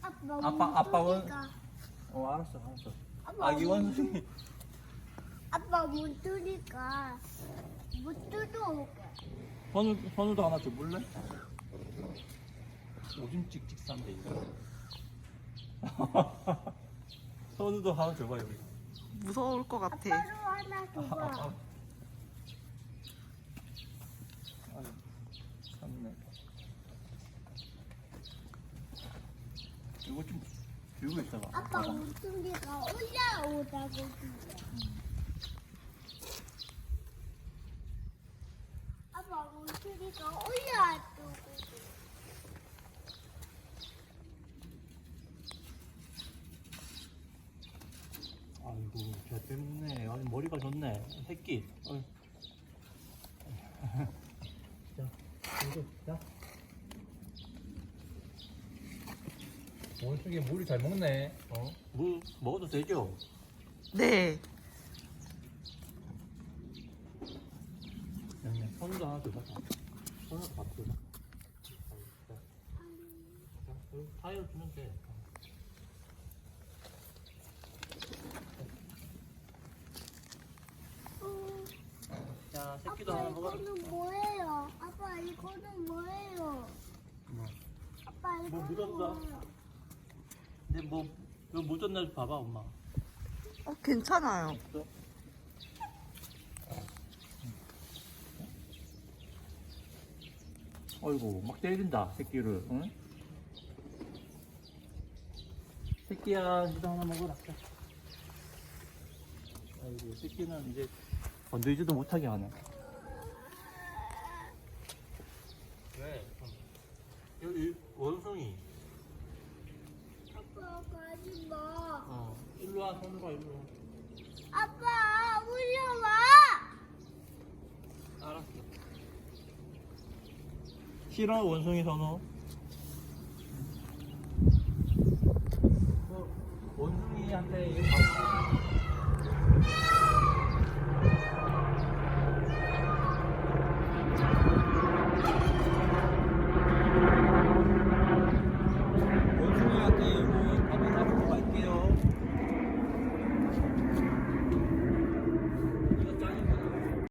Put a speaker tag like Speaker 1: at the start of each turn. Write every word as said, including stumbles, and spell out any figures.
Speaker 1: 아빠
Speaker 2: 아빠 아빠 원.
Speaker 1: 문두리가.
Speaker 2: 어 알았어 알았어.
Speaker 1: 아빠
Speaker 2: 아기
Speaker 1: 문-
Speaker 2: 원숭이.
Speaker 1: 아빠 문두리가 못 뜯어오게.
Speaker 2: 선우 선우도 하나 줘볼래? 오줌 찍찍 싼데 이거. 선우도 하나 줘봐 여기.
Speaker 3: 무서울 것 같아.
Speaker 1: 아빠도 하나 줘봐.
Speaker 2: 아유, 참네. 이거 좀 들고 있어봐.
Speaker 1: 아빠
Speaker 2: 봐봐.
Speaker 1: 문두리가 올라오다고 그래. 아빠 문두리가 올라왔다고 그래.
Speaker 2: 아이고 잘 빼먹네. 아니 머리가 좋네. 새끼. 어이. 자, 이거 자. 원숭이 물이 잘 먹네. 어? 물 먹어도 되죠?
Speaker 3: 네.
Speaker 2: 그냥 손도 하나 줘봐. 손으로 밥 줘봐. 자, 자, 여기 타이어 주면 돼.
Speaker 1: 음,
Speaker 2: 자, 새끼도
Speaker 1: 아빠
Speaker 2: 하나 먹어라.
Speaker 1: 이거는 뭐예요? 아빠 이거는 뭐예요?
Speaker 2: 뭐,
Speaker 1: 아빠
Speaker 2: 뭐
Speaker 1: 이거는
Speaker 2: 묻었어?
Speaker 1: 뭐예요?
Speaker 2: 근데 뭐 이거 묻었나 봐봐 엄마.
Speaker 3: 어, 괜찮아요.
Speaker 2: 없어? 어이구 막 때린다 새끼를. 응? 새끼야 니도 하나 먹어라. 자. 아이고 새끼는 이제 건드리지도 못하게 하네. 왜? 여기 원숭이.
Speaker 1: 아빠 가지 마.
Speaker 2: 어 일로 와 손으로 와 일로 와.
Speaker 1: 아빠 올려와.
Speaker 2: 알았어. 싫어 원숭이 선호. 어, 원숭이한테 이거 밥